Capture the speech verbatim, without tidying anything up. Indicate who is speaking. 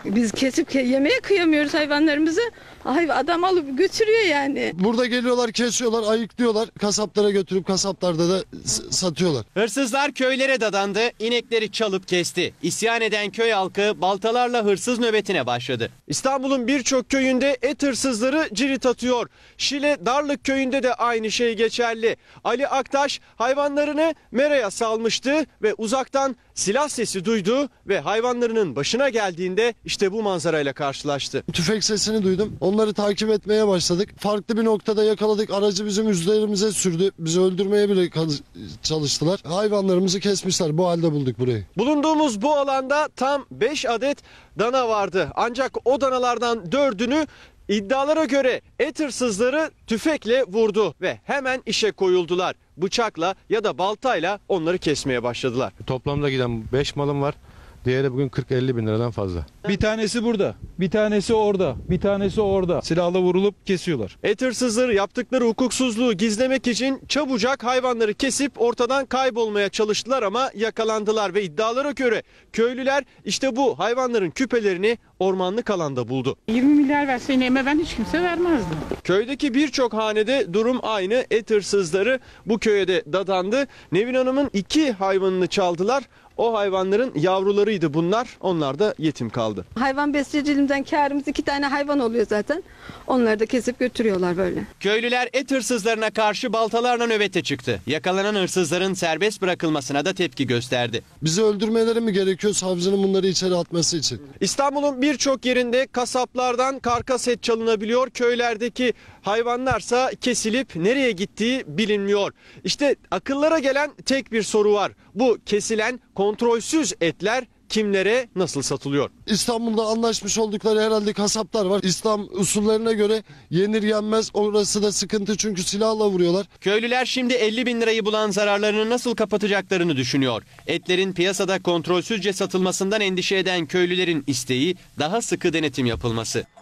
Speaker 1: Biz kesip yemeye kıyamıyoruz hayvanlarımızı. Ay, adam alıp götürüyor yani.
Speaker 2: Burada geliyorlar, kesiyorlar, ayıklıyorlar. Kasaplara götürüp kasaplarda da satıyorlar.
Speaker 3: Hırsızlar köylere dadandı, inekleri çalıp kesti. İsyan eden köy halkı baltalarla hırsız nöbetine başladı. İstanbul'un birçok köyünde et hırsızları cirit atıyor. Şile Darlık köyünde de aynı şey geçerli. Ali Aktaş hayvanlarını meraya salmıştı ve uzaktan silah sesi duydu ve hayvanlarının başına geldiğinde işte bu manzarayla karşılaştı.
Speaker 2: Tüfek sesini duydum. Onları takip etmeye başladık. Farklı bir noktada yakaladık. Aracı bizim üzerimize sürdü. Bizi öldürmeye bile çalıştılar. Hayvanlarımızı kesmişler. Bu halde bulduk burayı.
Speaker 3: Bulunduğumuz bu alanda tam beş adet dana vardı. Ancak o danalardan dördünü iddialara göre et hırsızları tüfekle vurdu ve hemen işe koyuldular. Bıçakla ya da baltayla onları kesmeye başladılar.
Speaker 4: Toplamda giden beş malım var. Diğeri bugün kırk elli bin liradan fazla.
Speaker 5: Bir tanesi burada, bir tanesi orada, bir tanesi orada. Silahla vurulup kesiyorlar.
Speaker 3: Et hırsızları yaptıkları hukuksuzluğu gizlemek için çabucak hayvanları kesip ortadan kaybolmaya çalıştılar ama yakalandılar ve iddialara göre köylüler işte bu hayvanların küpelerini ormanlık alanda buldu.
Speaker 6: yirmi milyar verse neyime ben hiç kimse vermezdim.
Speaker 3: Köydeki birçok hanede durum aynı. Et hırsızları bu köye de dadandı. Nevin Hanım'ın iki hayvanını çaldılar. O hayvanların yavrularıydı bunlar. Onlar da yetim kaldı.
Speaker 1: Hayvan besiciliğimden kârımız iki tane hayvan oluyor zaten. Onları da kesip götürüyorlar böyle.
Speaker 3: Köylüler et hırsızlarına karşı baltalarla nöbete çıktı. Yakalanan hırsızların serbest bırakılmasına da tepki gösterdi.
Speaker 2: Bizi öldürmeleri mi gerekiyor savcının bunları içeri atması için?
Speaker 3: İstanbul'un birçok yerinde kasaplardan karkas et çalınabiliyor. Köylerdeki hayvanlarsa kesilip nereye gittiği bilinmiyor. İşte akıllara gelen tek bir soru var. Bu kesilen kontrolsüz etler kimlere nasıl satılıyor?
Speaker 2: İstanbul'da anlaşmış oldukları herhalde kasaplar var. İslam usullerine göre yenir yenmez, orası da sıkıntı çünkü silahla vuruyorlar.
Speaker 3: Köylüler şimdi elli bin lirayı bulan zararlarını nasıl kapatacaklarını düşünüyor. Etlerin piyasada kontrolsüzce satılmasından endişe eden köylülerin isteği daha sıkı denetim yapılması.